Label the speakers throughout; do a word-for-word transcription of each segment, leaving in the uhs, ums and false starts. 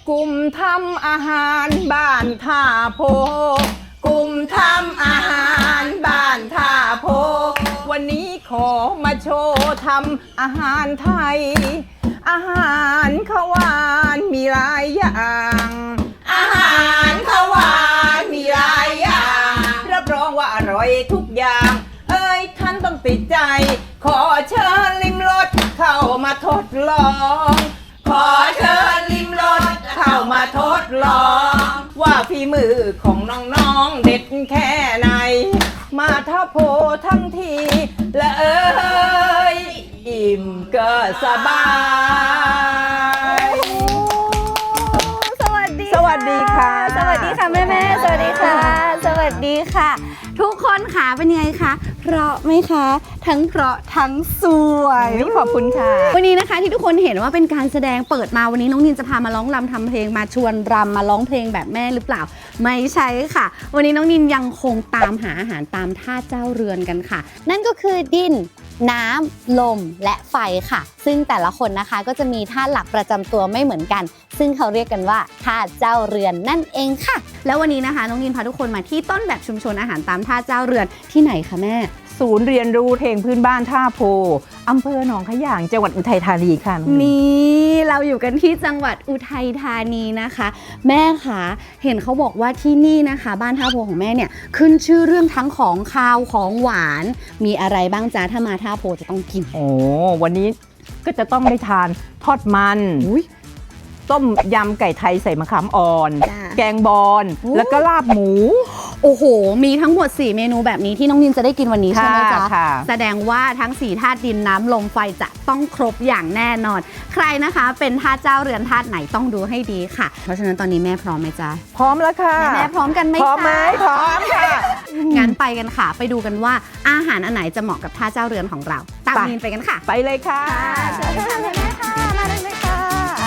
Speaker 1: กลุ่มทำอาหารบ้านท่าโพกลุ่มทำอาหารบ้านท่าโพวันนี้ขอมาโชว์ทำอาหารไทยอาหารข้าวหวานมีหลายอย่างอาหารข้าวหวานมีหลายอย่างรับรองว่าอร่อยทุกอย่างเอ้ยท่านต้องติดใจขอเชิญลิมรสเข้ามาทดลองขอเชิญลิมรสเข้ามาทดลองว่าฝีมือของน้องๆเด็ดแค่ไหนมาท่าโพทั้งทีและเอ้ยอิ่มก็สบาย
Speaker 2: สวัสดี
Speaker 1: สวัสดีค่ะ
Speaker 2: สวัสดีค่ะแม่แม่สวัสดีค่ะ สวัสดีค่ะ ทุกคนค่ะเป็นยังไงคะเพราะไหมคะทั้งเพราะทั้งสวย
Speaker 1: ขอบคุณค่ะ
Speaker 2: วันนี้นะคะที่ทุกคนเห็นว่าเป็นการแสดงเปิดมาวันนี้น้องนินจะพามาร้องรำทำเพลงมาชวนรำมาร้องเพลงแบบแม่หรือเปล่าไม่ใช่ค่ะวันนี้น้องนินยังคงตามหาอาหารตามท่าเจ้าเรือนกันค่ะนั่นก็คือดินน้ำลมและไฟค่ะซึ่งแต่ละคนนะคะก็จะมีท่าหลักประจำตัวไม่เหมือนกันซึ่งเขาเรียกกันว่าท่าเจ้าเรือนนั่นเองค่ะแล้ววันนี้นะคะน้องนินพาทุกคนมาที่ต้นแบบชุมชนอาหารตามท่าเจ้าเรือนที่ไหนคะแม่
Speaker 1: ศูนย์เรียนรู้เพลงพื้นบ้านท่าโพอำเภอหนองขยางจังหวัดอุทัยธานีค่ะ
Speaker 2: นี่เราอยู่กันที่จังหวัดอุทัยธานีนะคะแม่คะเห็นเขาบอกว่าที่นี่นะคะบ้านท่าโพของแม่เนี่ยขึ้นชื่อเรื่องทั้งของคาวของหวานมีอะไรบ้างจ๊ะถ้ามาท่าโพจะต้องกิน
Speaker 1: โอ้วันนี้ก็จะต้องได้ทานทอดมันต้มยำไก่ไทยใส่มะขามอ่อนแกงบอนแล้วก็ลาบหมู
Speaker 2: โอ้โหมีทั้งหมดสี่เมนูแบบนี้ที่น้องนินจะได้กินวันนี้ใช่ไหมจ๊ะแสดงว่าทั้งสี่ธาตุดินน้ำลมไฟจะต้องครบอย่างแน่นอนใครนะคะเป็นธาตุเจ้าเรือนธาตุไหนต้องดูให้ดีค่ะเพราะฉะนั้นตอนนี้แม่พร้อมไหมจ๊ะ
Speaker 1: พร้อมแล้วค่ะ
Speaker 2: แม่พร้อมกันไหม
Speaker 1: พร้อมไหมพร้อมค่ะ
Speaker 2: งั้นไปกันค่ะไปดูกันว่าอาหารอันไหนจะเหมาะกับธาตุเจ้าเรือนของเราตามนินไปกันค่ะ
Speaker 1: ไปเลยค่ะ
Speaker 2: เชิญค่ะแม่ค่ะมาเลยค่ะ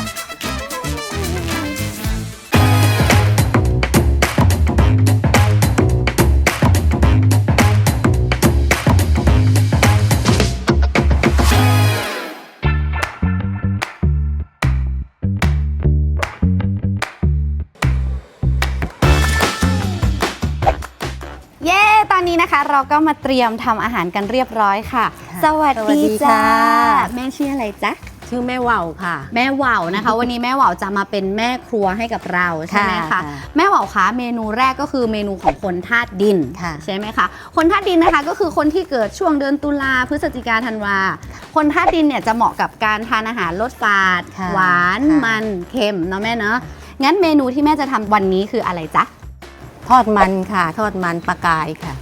Speaker 2: ตอนนี้นะคะเราก็มาเตรียมทำอาหารกันเรียบร้อยค่ะสวัสดีจ้าแม่ชื่ออะไรจ๊ะ
Speaker 3: ชื่อแม่ว่าวค่ะ
Speaker 2: แม่ว่าวนะคะ วันนี้แม่ว่าวจะมาเป็นแม่ครัวให้กับเราใช่ไหมคะแม่ว่าวคะเมนูแรกก็คือเมนูของคนธาตุดินใช่ไหมคะคนธาตุดินนะคะก็คือคนที่เกิดช่วงเดือนตุลาพฤศจิกาธันวาคนธาตุดินเนี่ยจะเหมาะกับการทานอาหารรสฝาดหวานมันเค็มเนาะแม่เนาะงั้นเมนูที่แม่จะทำวันนี้คืออะไรจ๊ะ
Speaker 3: ทอดมันค่ะทอดมันปลากายค่ะ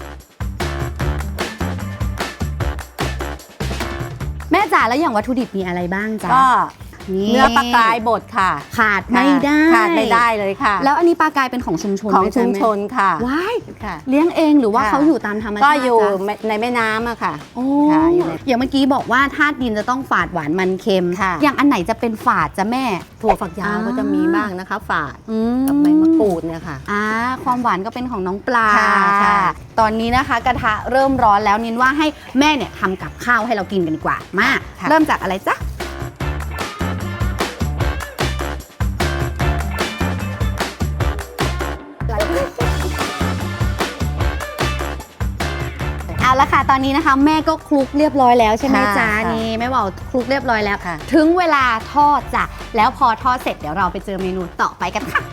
Speaker 2: แม่จ๋าแล้วอย่างวัตถุดิบมีอะไรบ้างจ๊ะ
Speaker 3: ก็เนื้อปลากายบดค่ะ
Speaker 2: ขาดไม่ได้
Speaker 3: ขาดไม่ได้เลยค่ะ
Speaker 2: แล้วอันนี้ปลากายเป็นของชุมชน
Speaker 3: ของชุมชนค่ะ
Speaker 2: ว้ายเลี้ยงเองหรือว่าเขาอยู่ตามธรรมชาติ
Speaker 3: ก็อยู่ในแม่น้ำอะค่ะ
Speaker 2: โอ้อย่างเมื่อกี้บอกว่าธาตุดินจะต้องฝาดหวานมันเค็มอย่างอันไหนจะเป็นฝาดจ้ะแม่
Speaker 3: ถั่วฝักยาวก็จะมีบ้างนะคะฝาดกับใบมะกรูดเนี่ยค่ะ
Speaker 2: อ่าความหวานก็เป็นของน้องปลาค่ะตอนนี้นะคะกระทะเริ่มร้อนแล้วนินว่าให้แม่เนี่ยทำกับข้าวให้เรากินกันดีกว่ามาเริ่มจากอะไรจ๊ะเอาละค่ะตอนนี้นะคะแม่ก็คลุกเรียบร้อยแล้วใช่ไหมจ๊ะนี่แม่บอกคลุกเรียบร้อยแล้วถึงเวลาทอดจ้ะแล้วพอทอดเสร็จเดี๋ยวเราไปเจอเมนูต่อไปกันค่ะ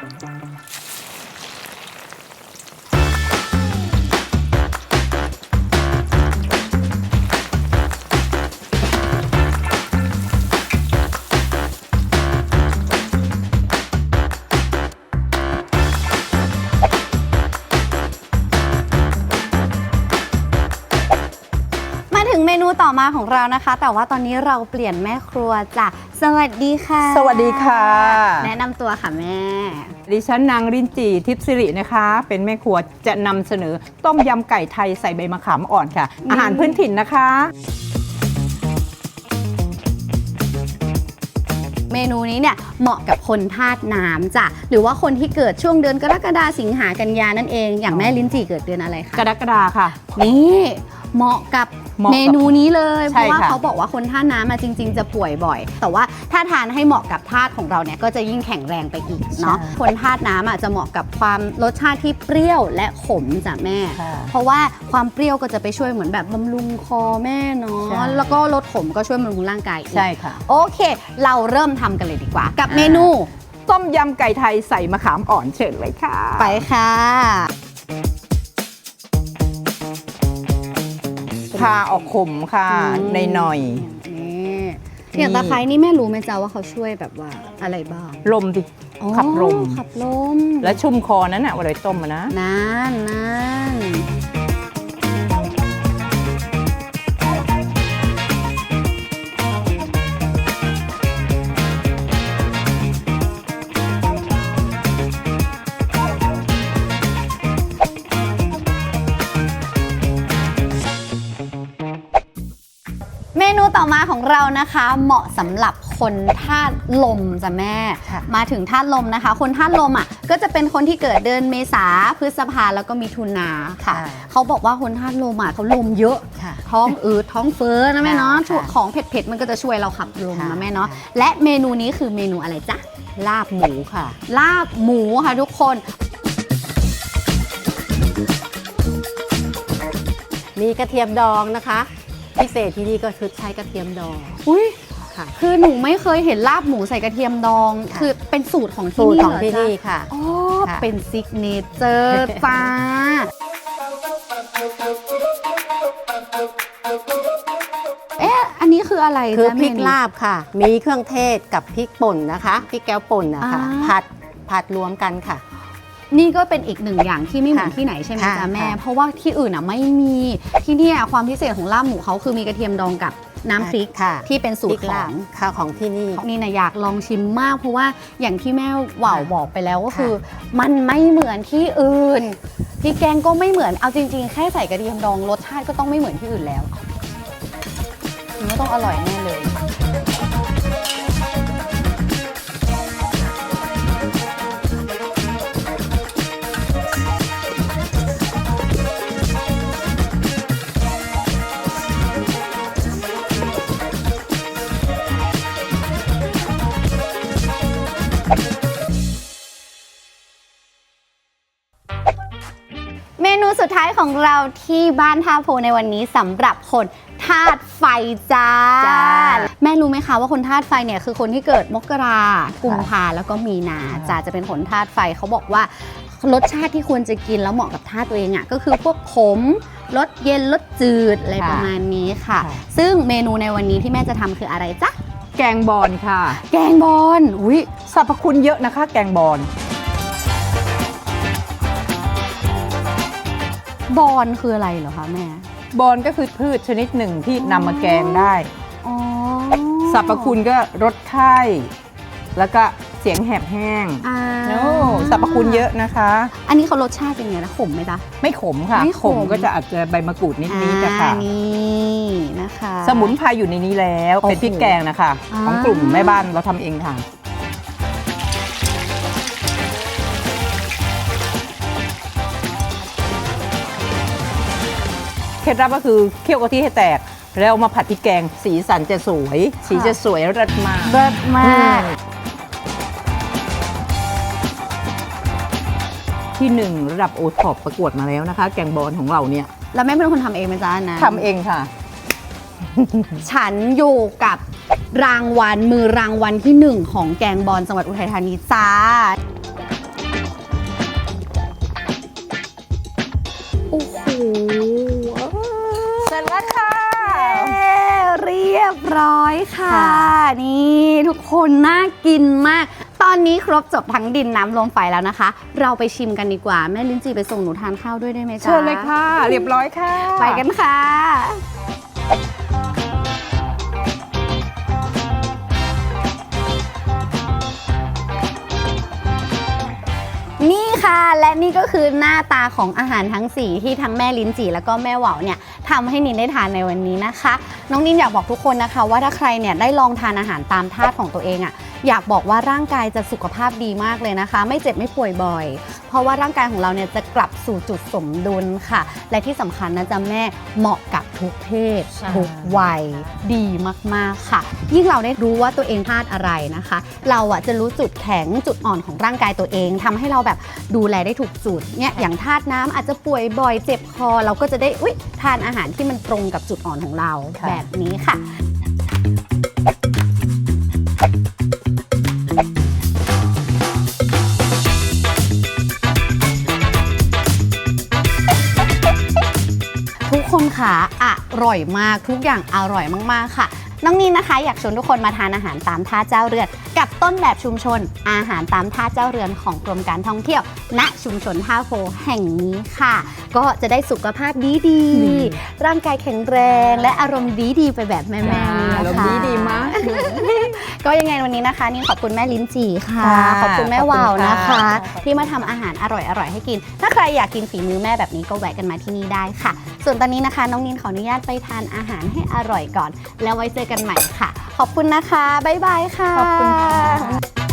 Speaker 2: เมนูต่อมาของเรานะคะแต่ว่าตอนนี้เราเปลี่ยนแม่ครัวจ้ะสวัสดีค่ะ
Speaker 1: สวัสดีค่ะ
Speaker 2: แนะนำตัวค่ะแม่
Speaker 1: ดิฉันนางรินจีทิพย์สิรินะคะเป็นแม่ครัวจะนำเสนอต้มยำไก่ไทยใส่ใบมะขามอ่อนค่ะอาหารพื้นถิ่นนะคะ
Speaker 2: เมนูนี้เนี่ยเหมาะกับคนธาตุน้ำจ้ะหรือว่าคนที่เกิดช่วงเดือนกรกฎาสิงหากันยานั่นเองอย่างแม่ลิ้นจี่เกิดเดือนอะไรคะ
Speaker 1: กรกฎาค่ะ
Speaker 2: นี่เหมาะกับ
Speaker 1: เหมาะกับ
Speaker 2: เมนูนี้เลยเพ
Speaker 1: ใช่
Speaker 2: ราะว่า
Speaker 1: ค่ะ
Speaker 2: เขาบอกว่าคนท่าน้ำมาจริง ๆ จะป่วยบ่อย แต่ว่าถ้าทานให้เหมาะกับธาตุของเราเนี่ยก็จะยิ่งแข็งแรงไปอีกเนาะคนธาตุน้ำอ่ะจะเหมาะกับความรสชาติที่เปรี้ยวและขมจ้ะแม่
Speaker 1: ค่ะ
Speaker 2: เพราะว่าความเปรี้ยวก็จะไปช่วยเหมือนแบบบำรุงคอแม่เนา
Speaker 1: ใช่
Speaker 2: ะแล้วก็รสขมก็ช่วยบำรุงร่างกายอีก
Speaker 1: ใช่ค่ะ
Speaker 2: โอเค เราเริ่มทำกันเลยดีกว่า กับเมนู
Speaker 1: ต้มยำไก่ไทยใส่มะขามอ่อนเชิญเลยค่ะ
Speaker 2: ไปค่ะ
Speaker 1: พาออกขมค่ะ
Speaker 2: อืม
Speaker 1: ในหน่อย
Speaker 2: นี่อย่างตะไคร้นี่แม่รู้ไหมจ๊ะว่าเขาช่วยแบบว่าอะไรบ้าง
Speaker 1: ลมดิ
Speaker 2: อ๋อ
Speaker 1: ขับลม
Speaker 2: ขับลม
Speaker 1: และชุ่มคอนั้นน่ะเวลาต้มอะนะ
Speaker 2: นั่นนั่นเมนูต่อมาของเรานะคะ เหมาะสำหรับคนธาตุลมจ้ะแม่
Speaker 1: ค่ะ
Speaker 2: มาถึงธาตุลมนะคะ คนธาตุลมอ่ะก็จะเป็นคนที่เกิดเดือนเมษาพฤษภาแล้วก็มิถุนาค่ะ
Speaker 1: ค่ะ
Speaker 2: เขาบอกว่าคนธาตุลมอ่ะเขาลมเยอะ
Speaker 1: ค่ะ
Speaker 2: ท้องอืดท้องเฟ้อนะแม่เนาะ
Speaker 1: ค่ะ
Speaker 2: ช่วงของเผ็ดๆมันก็จะช่วยเราขับลม
Speaker 1: ค่ะ
Speaker 2: นะแม่เนาะและเมนูนี้คือเมนูอะไรจ๊ะ
Speaker 1: ลาบหมูค่ะ
Speaker 2: ลาบหมูค่ะทุกคน
Speaker 3: มีกระเทียมดองนะคะ พิเศษที่นี่ก็คือใช้กระเทียมดอง
Speaker 2: อุ้ย
Speaker 3: ค่ะ
Speaker 2: คือหนูไม่เคยเห็นลาบหมูใส่กระเทียมดอง
Speaker 3: ค่ะ
Speaker 2: คือเป็นสูตรของที่
Speaker 3: สูตร
Speaker 2: นี่
Speaker 3: ของ
Speaker 2: เหรอ
Speaker 3: ที่
Speaker 2: จ๊ะ
Speaker 3: นี่ค่ะ
Speaker 2: อ๋อ
Speaker 3: ค่ะ
Speaker 2: เป็นซิกเนเจอร์จ้า เอ๊ะ อันนี้คืออะไร
Speaker 3: คือ
Speaker 2: จ๊ะ
Speaker 3: พริก
Speaker 2: เมนู
Speaker 3: ลาบค่ะ มีเครื่องเทศกับพริกป่นนะคะพริกแก้วป่นนะคะ
Speaker 2: อ่า
Speaker 3: ผัดผัดรวมกันค่ะ
Speaker 2: นี่ก็เป็นอีกหนึ่งอย่างที่ไม่เหมือน
Speaker 3: ค่ะ
Speaker 2: ที่ไหนใช่ไหม
Speaker 3: ค่ะ
Speaker 2: จ๊ะแม่
Speaker 3: ค่ะ
Speaker 2: เพราะว่าที่อื่นอ่ะไม่มี ที่เนี่ยความพิเศษของลาบหมูเขาคือมีกระเทียมดองกับน้ำพริก
Speaker 3: ค่ะ
Speaker 2: ที่เป็นสูตร
Speaker 3: พ
Speaker 2: ข
Speaker 3: ลา
Speaker 2: อบ ง
Speaker 3: ค่ะของที่นี่
Speaker 2: นี่นะอยากลองชิมมากเพราะว่าอย่างที่แม่หว่าว
Speaker 3: ค่ะ
Speaker 2: บอกไปแล้วก็
Speaker 3: ค่ะ
Speaker 2: คือ มันไม่เหมือนที่อื่นพริกแกงก็ไม่เหมือนเอาจริงๆ แค่ใส่กระเทียมดองรสชาติก็ต้องไม่เหมือนที่อื่นแล้วมันก็ต้องอร่อยแน่เลย เมนูสุดท้ายของเราที่บ้านท่าโพในวันนี้สำหรับคนธาตุไฟจ้า
Speaker 1: จ้า
Speaker 2: แม่รู้ไหมคะว่าคนธาตุไฟเนี่ยคือคนที่เกิดมกรากุมภาแล้วก็มีนาจ้าจะเป็นคนธาตุไฟเขาบอกว่ารสชาติที่ควรจะกินแล้วเหมาะกับธาตุตัวเองอ่ะก็คือพวกขมรสเย็นรสจืดอะไรประมาณนี้ค่ะ
Speaker 1: ค่ะ
Speaker 2: ซึ่งเมนูในวันนี้ที่แม่จะทำคืออะไรจ๊ะ
Speaker 1: แกงบอลค่ะ
Speaker 2: แกงบอลอุ้ย
Speaker 1: สรรพคุณเยอะนะคะ แกงบอล
Speaker 2: บอลคืออะไรเหรอคะแม่
Speaker 1: บอลก็คือพืชชนิดหนึ่งที่นำมาแกงได้
Speaker 2: อ๋อ
Speaker 1: สรรพคุณก็ลดไข้แล้วก็เสียงแหบแห้ง
Speaker 2: อ่า
Speaker 1: โอ้สรรพคุณเยอะนะคะ
Speaker 2: อันนี้เขารสชาติเป็นไงนะขมไหมจ๊ะ
Speaker 1: ไม่ขมค่ะ
Speaker 2: ไม่ขม
Speaker 1: ก็จะอาจจะใบมะกรูดนิดนิดๆนะคะ
Speaker 2: อ่านี่นะคะ
Speaker 1: สมุนไพรอยู่ในนี้แล้ว
Speaker 2: โอ้โห
Speaker 1: เป็นพริกแกงนะคะ
Speaker 2: อ่า
Speaker 1: ของกลุ่มแม่บ้านเราทำเองค่ะ เคล็ดลับก็คือเคี่ยวกะทิให้แตก แล้วเอามาผัดพริกแกง สีสันจะสวย สีจะสวยรสมาก
Speaker 2: เลิศมาก
Speaker 1: ที่หนึ่งระดับโอท็อปประกวดมาแล้วนะคะ แกงบอลของเราเนี่ย
Speaker 2: แล้วแม่เป็นคนทำเองไหมจ๊ะอันนะ
Speaker 1: ทำเองค่ะ
Speaker 2: ฉันอยู่กับรางวัลมือรางวัลที่หนึ่งของแกงบอลจังหวัดอุทัยธานีจ้าโอ้โห
Speaker 1: เสร็จแล้วค่ะ
Speaker 2: เรียบร้อยค่ะ นี่ทุกคนน่ากินมาก ตอนนี้ครบจบทั้งดินน้ำลมไฟแล้วนะคะ เราไปชิมกันดีกว่า แม่ลิ้นจีไปส่งหนูทานข้าวด้วยได้ไหมจ๊ะ
Speaker 1: เชิญเลยค่ะ เรียบร้อยค่ะ
Speaker 2: ไปกันค่ะ นี่ค่ะและนี่ก็คือหน้าตาของอาหารทั้งสี่ที่ทั้งแม่ลิ้นจี่แล้วก็แม่เหว่าเนี่ยทำให้นินได้ทานในวันนี้นะคะน้องนินอยากบอกทุกคนนะคะว่าถ้าใครเนี่ยได้ลองทานอาหารตามธาตุของตัวเองอะอยากบอกว่าร่างกายจะสุขภาพดีมากเลยนะคะ ไม่เจ็บไม่ป่วยบ่อยเพราะว่าร่างกายของเราเนี่ยจะกลับสู่จุดสมดุลค่ะและที่สำคัญนะจ๊ะแม่เหมาะกับทุกเพศทุกวัยดีมากๆค่ะยิ่งเราได้รู้ว่าตัวเองธาตุอะไรนะคะเราอะจะรู้จุดแข็งจุดอ่อนของร่างกายตัวเองทำให้เราแบบดูแลได้ถูกจุดเนี่ยอย่างธาตุน้ำอาจจะป่วยบ่อยเจ็บคอเราก็จะได้อุ๊ยทานอาหารที่มันตรงกับจุดอ่อนของเราแบบนี้ค่ะทุกคนค่ะอร่อยมากทุกอย่างอร่อยมากๆค่ะน้องนินนะคะอยากชวนทุกคนมาทานอาหารตามท่าเจ้าเรือนกับต้นแบบชุมชนอาหารตามท่าเจ้าเรือนของกรมการท่องเที่ยวณชุมชนท่าโพแห่งนี้ค่ะก็จะได้สุขภาพดีดีร่างกายแข็งแรงและอารมณ์ดีดีไปแบบแม่ๆนี่นะคะ
Speaker 1: อารมณ์ดีดีมาก
Speaker 2: ก็ยังไงวันนี้นะคะนินขอบคุณแม่ลิ้นจี่ค่ะขอบคุณแม่วาวนะคะ ที่มาทำอาหารอร่อยๆให้กินถ้าใครอยากกินฝีมือแม่แบบนี้ก็แวะกันมาที่นี่ได้ค่ะส่วนตอนนี้นะคะน้องนินขออนุญาตไปทานอาหารให้อร่อยก่อนแล้วไว้เจอกันใหม่ค่ะขอบคุณนะคะบ๊ายบายค่ะ
Speaker 1: ขอบคุณค่ะ